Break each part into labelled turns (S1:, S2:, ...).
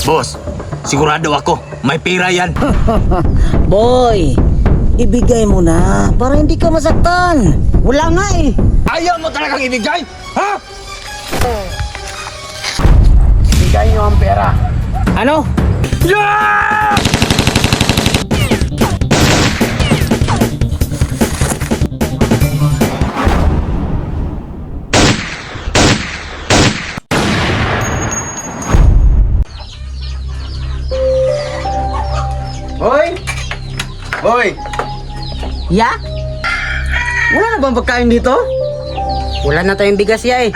S1: Boss, sigurado ako, may pira yan.
S2: Boy, ibigay mo na para hindi ka masaktan. Wala nga eh.
S1: Ayaw mo talagang ibigay? Ha?
S3: Bigay niyo ang pera.
S2: Ano?
S1: Yeah!
S3: Hoy! Hoy!
S2: Ya?
S3: Wala na bang pagkain dito?
S2: Wala na tayong bigas ya eh.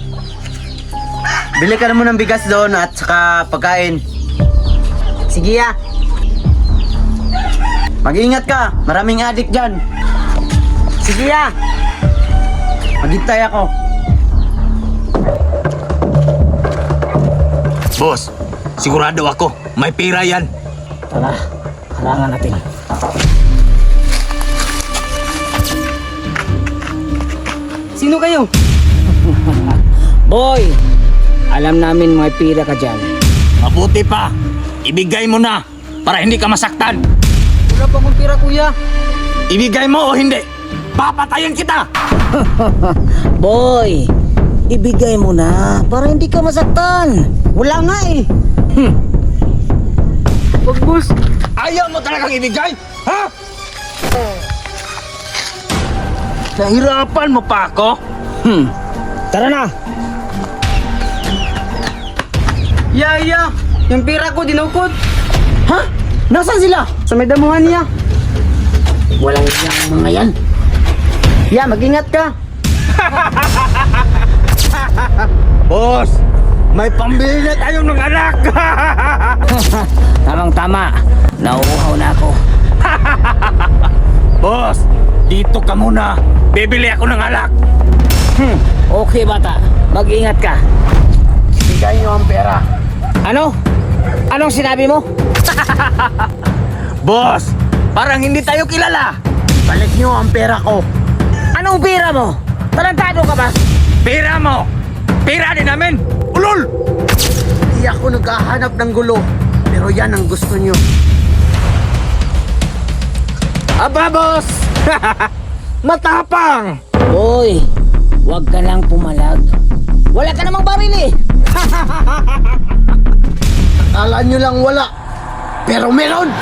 S3: Bili ka naman ng bigas doon at saka pagkain.
S2: Sige ya.
S3: Mag-ingat ka, maraming adik dyan.
S2: Sige ya.
S3: Maghintay ako.
S1: Boss, sigurado ako, may pira yan.
S2: Tara, harangan natin.
S3: Sino kayo?
S2: Boy, alam namin may pira ka dyan.
S1: Mabuti pa, ibigay mo na para hindi ka masaktan.
S3: Wala pa akong pira, kuya.
S1: Ibigay mo o hindi, papatayin kita.
S2: Boy, ibigay mo na para hindi ka masaktan. Wala nga eh.
S3: Wag, boss.
S1: Ayaw mo talagang ibigay? Ha?
S3: Nahirapan mo pa ako?
S2: Tara na.
S3: Yaya, yung pira ko dinukot. Ha? Nasaan sila? Sa may damuhan niya.
S2: Walang iyang mga yan.
S3: Ya, mag-ingat ka.
S1: Boss, may pambili na tayo ng anak.
S2: Tamang-tama. Nauuhaw na ako.
S1: Boss, dito ka muna. Bibili ako ng alak.
S2: Okay bata, mag-ingat ka.
S3: Bigay niyo ang pera.
S2: Ano? Anong sinabi mo?
S1: Boss, parang hindi tayo kilala.
S3: Balik niyo ang pera ko.
S2: Anong pira mo? Tarantado ka ba?
S1: Pira mo. Pira din namin. Ulol!
S3: Hindi ako naghahanap ng gulo. Pero yan ang gusto niyo.
S1: Aba, boss! Matapang!
S2: Boy, huwag ka lang pumalag. Wala ka namang baril eh.
S3: Akala niyo lang wala. Pero meron!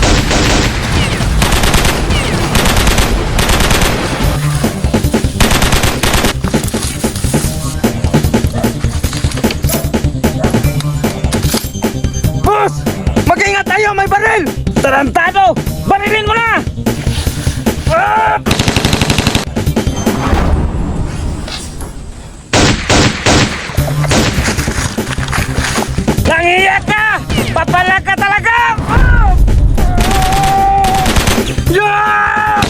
S1: Boss! Mag-ingat tayo! May baril! Tarantado! Barilin mo na! Ah! Nangiyak ka! Papalag ka talaga! Ah! Yeah!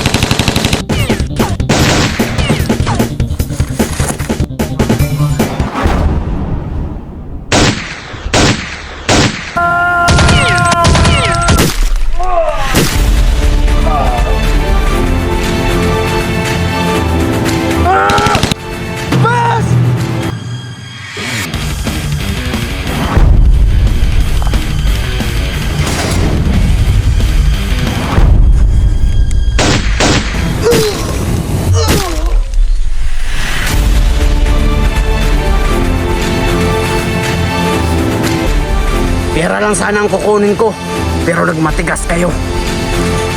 S1: Boss!
S3: Pera lang sana ang kukunin ko. Pero nagmatigas kayo.